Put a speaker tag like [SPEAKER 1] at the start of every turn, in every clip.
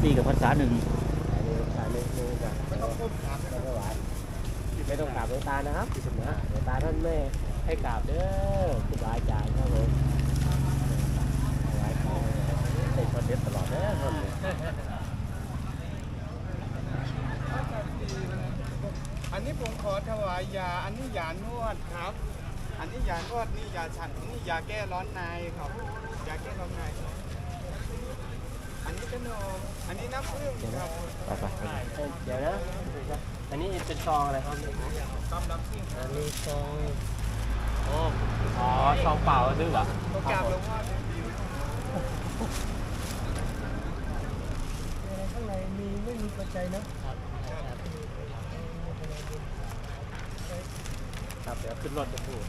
[SPEAKER 1] ปีกับพรรษาหนึ่ง
[SPEAKER 2] อันนี้พรรษาหนึ่งกับไม่ต้องก้มกราบไม่ต้องถวายไม่ต้องกราบหลวงตานะครับนะหลวงตาท่านไม่ให้กราบเด้อครูบาอาจารย์ครับผมถวายของเป็นคอนเทนต์ตลอดเด้อท่าน
[SPEAKER 3] อันนี้ผมขอถวายยา อันนี้ยานวดครับ อันนี้ยานวดนี่ยาฉันนี่ยาแก้ร้อนในครับยาแก้ร้อนในอันนี้ขนมอันนี้น้ำผึ้งครับ
[SPEAKER 1] ไป
[SPEAKER 2] เดี๋ยวนะอันนี้เป็นซองอะไรครับ
[SPEAKER 3] ต้มน้ำผึ้ง
[SPEAKER 2] อันนี้ซองอ๋อซองเปล่าซื้อเหรอ
[SPEAKER 3] โปรแกรมหลวงพ่อดีข้างในมีไม่มีปัจจัยนะครับ
[SPEAKER 2] เดี๋ยวขึ้นรถจะพูด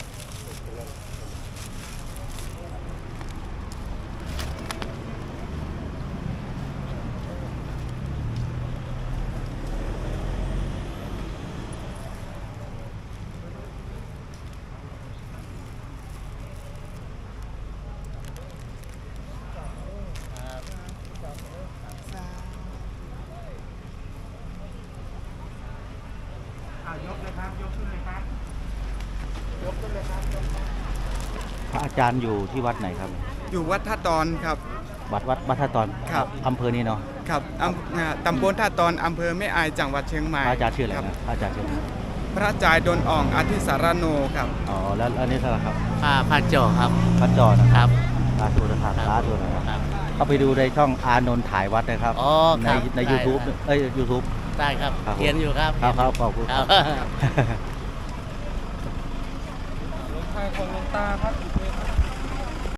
[SPEAKER 3] ยกเลยครับยกขึ้นเลยครับยกขึ้นเลยครับ
[SPEAKER 1] พระอาจารย์อยู่ที่วัดไหนครับ
[SPEAKER 3] อยู่วัดท่าตอนครับ
[SPEAKER 1] วัดท่าตอน
[SPEAKER 3] ครับ
[SPEAKER 1] อำเภอนี้เนาะ
[SPEAKER 3] ครับตำบลท่าตอนอำเภอแม่อายจังหวัดเชียงใหม่
[SPEAKER 1] พระอาจารย์ชื่ออะไร
[SPEAKER 3] คบ
[SPEAKER 1] นะพระอาจารย์ชื่ออะไร
[SPEAKER 3] พระจายดลอ่องอธิสารโนครับ
[SPEAKER 1] อ๋อแล้วอันนี้เท่าไหร่ครับ
[SPEAKER 2] พาโจครับ
[SPEAKER 1] พระจอนะครับ
[SPEAKER 2] ครับ
[SPEAKER 1] สาธุนะครับสาธุนะครับเข้าไปดูในช่องอานนท์ถ่ายวัดนะครับ
[SPEAKER 2] อ๋อ
[SPEAKER 1] ใน
[SPEAKER 2] ครับ
[SPEAKER 1] ใน
[SPEAKER 2] ได้
[SPEAKER 1] YouTube ยูทูบ
[SPEAKER 2] ได้ครับ
[SPEAKER 1] ครับผม
[SPEAKER 2] เขียนอยู่ครับ
[SPEAKER 1] ครับขอบคุณ
[SPEAKER 2] ครับ
[SPEAKER 3] หลวงพ่อของหลวงตาครับ